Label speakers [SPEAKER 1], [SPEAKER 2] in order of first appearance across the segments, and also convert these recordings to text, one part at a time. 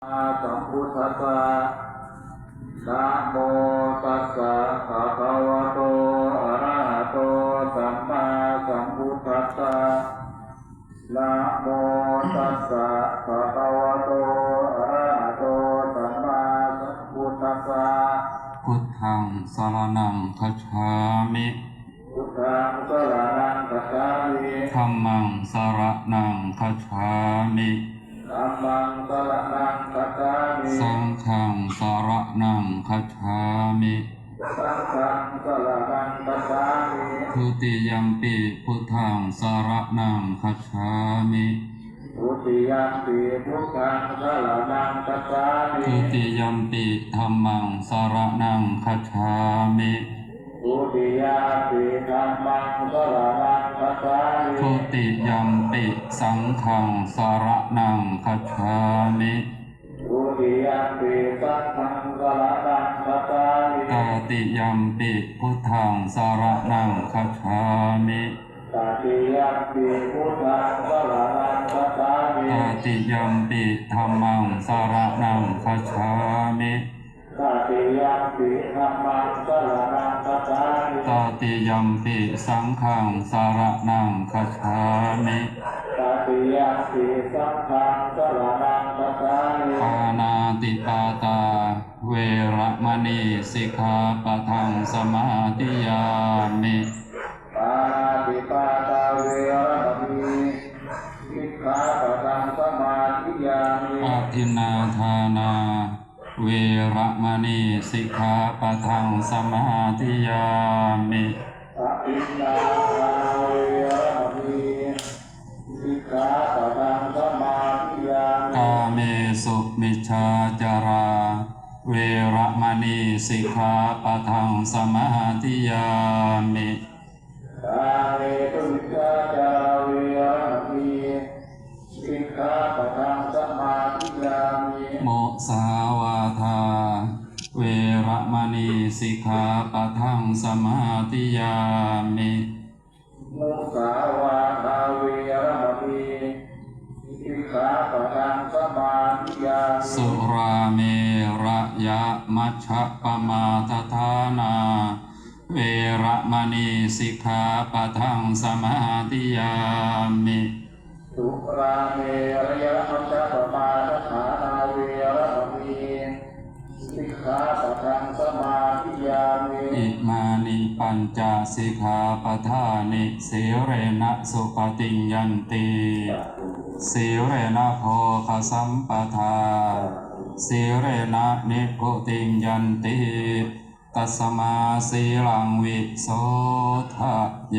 [SPEAKER 1] สัมพุทธัสสะนะโมตัสสะภะคะวะโตอะระหะโตสัมมาสัมพุทธัสสะนะโมตัสสะภะคะวะโตอะระหะโตสัมมาสัมพุทธัสสะ
[SPEAKER 2] พุทธังสรณังคัจฉามิ
[SPEAKER 1] พุทธังสรณังคัจฉามิ
[SPEAKER 2] ธัมมังสรณังคัจฉามิ
[SPEAKER 1] ธัมมังสรณังคัจฉามิ
[SPEAKER 2] สังฆังสรณังคัจฉามิ
[SPEAKER 1] สังฆังสรณังคัจฉามิ
[SPEAKER 2] ทุติยัมปิพุทธังสรณังคัจฉามิ
[SPEAKER 1] ทุติยัมปิพุทธังสรณังคัจฉามิ
[SPEAKER 2] ทุติยัมปิธัมมังสรณังคัจฉามิ
[SPEAKER 1] ทุติยัมปิธัมมังสรณังคัจฉามิ
[SPEAKER 2] ทุติยัมปิสังฆังสรณังคัจฉามิ
[SPEAKER 1] ทุติยัมปิสังฆังสรณังคัจฉามิ
[SPEAKER 2] ตติยัมปิพุทธังสรณังคัจฉามิ
[SPEAKER 1] ตติยัมปิพุทธังสรณังคัจฉามิ
[SPEAKER 2] ตติยัมปิธัมมังสรณังคัจฉามิ
[SPEAKER 1] ตติยัมปิธัมมังสรณังคัจฉามิ
[SPEAKER 2] ตติยัมปิสังฆังสรณังคัจฉามิ
[SPEAKER 1] ตติยัมปิสังฆังสรณังคัจฉามิ
[SPEAKER 2] ปานาติปาตาเวระมณีสิกขาปะทังสมาธิยามิ
[SPEAKER 1] ปานาติปาตาเวระมณีสิกขาปะทังสมาธิยามิ
[SPEAKER 2] อทินนาทานาเวระมณีสิกขาปะทังสมาธิยามิ
[SPEAKER 1] อทินนาทานาเวระมณีสิกขาปะทังสมาธิยามิ
[SPEAKER 2] กาเมสุมิจฉาจาราเวระมณีสิกขาปะทังสมาธิยามิ
[SPEAKER 1] กาเมสุมิจฉาจาราเวระมณีสิกขาปะทังสมาธิยามิ
[SPEAKER 2] โมสาวาทาเวระมณีสิกขาปะทังสมาธิยามิ
[SPEAKER 1] มุสาวาทาเวระมณีสิกขาปะทังสมาธิยามิ
[SPEAKER 2] สุราเมระยะมัชฌะปมาทฐานาเวระมณีสิกขาปะทังสมาธิยามิ
[SPEAKER 1] สุราเมระยะมัชฌะปมาทฐานาเวระมณีสิกขาปะทังสมาธิยามิ
[SPEAKER 2] อิมานิปัญจสิกขาปทานิสีเรนะสุปฏิญญันติสีเรนะโภคสัมปทาสีเรนะนิพพุติญญันติตัสมาสีลังวิโสทะเย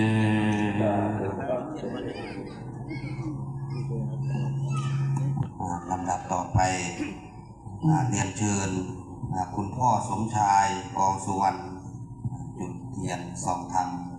[SPEAKER 3] ลำดับต่อไปเรียนเชิญคุณพ่อสมชายกองสุวรรณจุดเทียนส่องธรรม